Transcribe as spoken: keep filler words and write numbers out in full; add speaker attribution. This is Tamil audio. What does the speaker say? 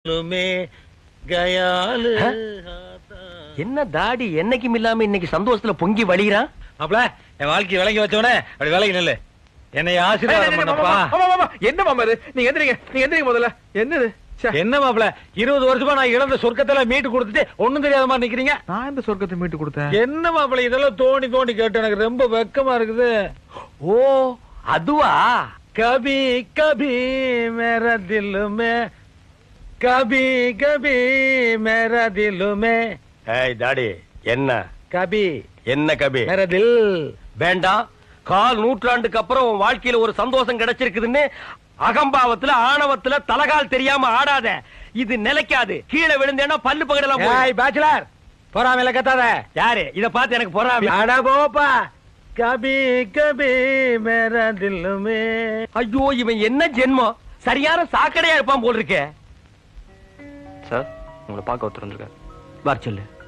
Speaker 1: என்ன தாடி என்னைக்கும் இல்லாம இன்னைக்கு சந்தோஷத்துல பொங்கி வழிகிறான்.
Speaker 2: அப்பல என் வாழ்க்கை விளங்கி வச்சவனே அப்படி விலகி நில்லு. என்னை ஆசீர்வாதம் பண்ணப்பா.
Speaker 3: என்ன மாமா இது? நீங்க எந்திரிங்க, நீங்க எந்திரிங்க முதல்ல. என்னது?
Speaker 2: என்ன மாப்பிள இருபது வருஷமா நான் இழந்த சொர்க்கத்துல மீட்டு கொடுத்துட்டு ஒண்ணும் தெரியாத மாதிரி நிக்கிறீங்க.
Speaker 3: நான் இந்த சொர்க்கத்தை மீட்டு கொடுத்தேன்.
Speaker 2: என்ன மாப்பிள இதெல்லாம் தோண்டி தோண்டி கேட்டு எனக்கு ரொம்ப வெக்கமா இருக்குது.
Speaker 1: ஓ அதுவா?
Speaker 2: கபி கபி மேரா தில்லுமே கபி கபி மேரா தில்லுமே.
Speaker 1: ஏய் தாடி என்ன
Speaker 2: கபி
Speaker 1: என்ன கபி
Speaker 2: மேரா தில்.
Speaker 1: வேண்டாம். கால் நூற்றாண்டுக்கு அப்புறம் உன் வாழ்க்கையில ஒரு சந்தோஷம் கிடைச்சிருக்குதுன்னு அகம்பாவத்துல ஆணவத்துல தலகால் தெரியாம ஆடாத. இது நிலைக்காது. கீழே விழுந்தேன்னா பல்லு பகடலாம்.
Speaker 2: ஏய் பேச்சுலர் பொறாமையில கத்தாத.
Speaker 1: யாரு இத பார்த்து எனக்கு பொறாமை?
Speaker 2: அட போப்பா. கபி கபி மேரா தில்லுமே.
Speaker 1: ஐயோ இவன் என்ன ஜென்மம். சரியான சாக்கடையா இருப்பான் போல் இருக்கே.
Speaker 4: சார் உங்களை பார்க்க ஒருத்தர் வந்திருக்காரு.
Speaker 1: வர சொல்லு.